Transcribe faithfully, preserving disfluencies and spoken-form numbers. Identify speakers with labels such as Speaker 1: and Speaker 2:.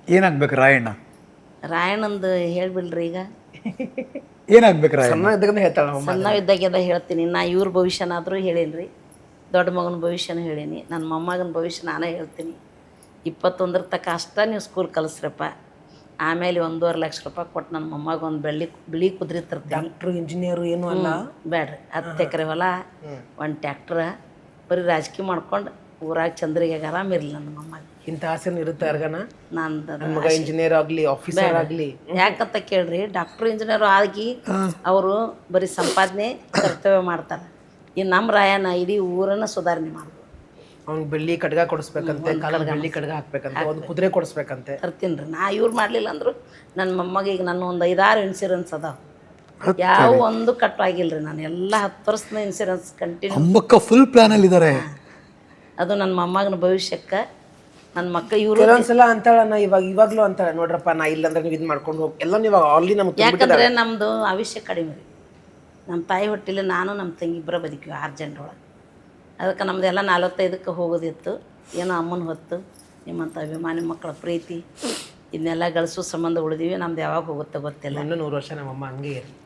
Speaker 1: ಏನಾಗ್ಬೇಕು ರಾಯಣ್ಣ?
Speaker 2: ರಾಯಣ್ಣಂದು ಹೇಳ್ಬಿಡ್ರಿ ಈಗ.
Speaker 1: ಏನಾಗ್ಬೇಕು ರಾಯಣ್ಣ?
Speaker 3: ಸಣ್ಣ ಇದ್ದಾಗ ಹೇಳ್ತಾಳ
Speaker 2: ಸಣ್ಣ ಇದ್ದಾಗೆಲ್ಲ ಹೇಳ್ತೀನಿ. ನಾ ಇವ್ರ ಭವಿಷ್ಯನಾದರೂ ಹೇಳೀನಿ ರೀ, ದೊಡ್ಡ ಮಗನ ಭವಿಷ್ಯನೂ ಹೇಳೀನಿ, ನನ್ನ ಮೊಮ್ಮಗನ ಭವಿಷ್ಯ ನಾನೇ ಹೇಳ್ತೀನಿ. ಇಪ್ಪತ್ತೊಂದರ ತಕ್ಕ ಅಷ್ಟ ನೀವು ಸ್ಕೂಲ್ ಕಲಿಸ್ರಪ್ಪ, ಆಮೇಲೆ ಒಂದೂವರೆ ಲಕ್ಷ ರೂಪಾಯಿ ಕೊಟ್ಟು ನನ್ನ ಮೊಮ್ಮಗ ಒಂದು ಬೆಳ್ಳಿ ಬಿಳಿ ಕುದುರೆ ತರ್ತೀನಿ.
Speaker 3: ಡಾಕ್ಟ್ರು ಇಂಜಿನಿಯರು ಏನೂ ಅಲ್ಲ.
Speaker 2: ಬೇಡ್ರಿ, ಹತ್ತು ಎಕರೆ ಹೊಲ, ಒಂದು ಟ್ಯಾಕ್ಟ್ರ, ಬರೀ ರಾಜಕೀಯ ಮಾಡ್ಕೊಂಡು ಊರಾಗ ಚಂದ್ರಿಗೆ ಆರಾಮಿರಲಿ ನನ್ನ ಮೊಮ್ಮಗ.
Speaker 3: ಇಂಥ ಆಸೆನೂ ಇರುತ್ತೆ ಯಾರಿಗಾನ?
Speaker 2: ನಂದು
Speaker 3: ನನ್ನ ಮಗ ಇಂಜಿನಿಯರ್ ಆಗಲಿ, ಆಫೀಸರ್ ಆಗಲಿ.
Speaker 2: ಯಾಕಂತ ಕೇಳ್ರಿ, ಡಾಕ್ಟ್ರು ಇಂಜಿನಿಯರು ಆಗಿ ಅವರು ಬರೀ ಸಂಪಾದನೆ ಕರ್ತವ್ಯ ಮಾಡ್ತಾರೆ. ಈ ನಮ್ಮ ರಾಯಣ್ಣ ಇಡೀ ಊರನ್ನು ಸುಧಾರಣೆ ಮಾಡ್ಬೋದು.
Speaker 3: ಅವ್ನಿಗೆ ಬೆಳ್ಳಿ ಕಡ್ಗ ಕೊಡಿಸ್ಬೇಕಂತೆ, ಕಾಲಲ್ಲಿ ಬೆಳ್ಳಿ ಕಡ್ಗ ಹಾಕ್ಬೇಕಂತೆ, ಒಂದು ಕುದುರೆ ಕೊಡಿಸ್ಬೇಕಂತೆ.
Speaker 2: ತರ್ತೀನಿ ರೀ. ನಾ ಇವ್ರು ಮಾಡಲಿಲ್ಲ ಅಂದರು ನನ್ನ ಮೊಮ್ಮಗ ಈಗ ನನ್ನ ಒಂದು ಐದಾರು ಇನ್ಶೂರೆನ್ಸ್ ಅದಾವೆ, ಯಾವ ಒಂದು ಕಟ್ ಆಗಿಲ್ಲ ರೀ. ನಾನು ಎಲ್ಲ ಹತ್ತು ವರ್ಷದ ಇನ್ಶೂರೆನ್ಸ್ ಕಂಟಿನ್ಯೂ.
Speaker 1: ಅಮ್ಮಕ್ಕ ಫುಲ್ ಪ್ಲಾನಲ್ಲಿ ಇದ್ದಾರೆ.
Speaker 2: ಅದು ನನ್ನ ಮೊಮ್ಮಗನ ಭವಿಷ್ಯಕ್ಕೆ ನನ್ನ ಮಕ್ಕಳು ಇವರು.
Speaker 3: ಕೆಲವೊಂದ್ಸಲ ಅಂತಾಳ, ನಾ ಇವಾಗ ಇವಾಗಲೂ ಅಂತಾಳೆ, ನೋಡ್ರಪ್ಪ ನಾ ಇಲ್ಲಂದ್ರೆ ನೀವು ಇದು ಮಾಡ್ಕೊಂಡು ಹೋಗಿ ಎಲ್ಲ ನೀವು ಆಲ್ರೆಡಿ ನಮ್ಗೆ.
Speaker 2: ಯಾಕಂದರೆ ನಮ್ಮದು ಆಯುಷ್ಯ ಕಡಿಮೆ ರೀ. ನಮ್ಮ ತಾಯಿ ಹೊಟ್ಟಿಲ್ಲ, ನಾನು ನಮ್ಮ ತಂಗಿ ಇಬ್ಬರ ಬದುಕಿವಿ ಆರು ಜನರೊಳಗೆ. ಅದಕ್ಕೆ ನಮ್ಮದೆಲ್ಲ ನಲ್ವತ್ತೈದಕ್ಕೆ ಹೋಗೋದಿತ್ತು. ಏನೋ ಅಮ್ಮನ ಹೊತ್ತು ನಿಮ್ಮಂಥ ಅಭಿಮಾನಿ ಮಕ್ಕಳ ಪ್ರೀತಿ ಇದನ್ನೆಲ್ಲ ಗಳಿಸೋ ಸಂಬಂಧ ಉಳಿದೀವಿ. ನಮ್ದು ಯಾವಾಗ ಹೋಗುತ್ತೆ ಗೊತ್ತಿಲ್ಲ.
Speaker 3: ಇನ್ನೂ ನೂರು ವರ್ಷ ನಮ್ಮಮ್ಮ ಹಂಗೆ ಇರಲಿ.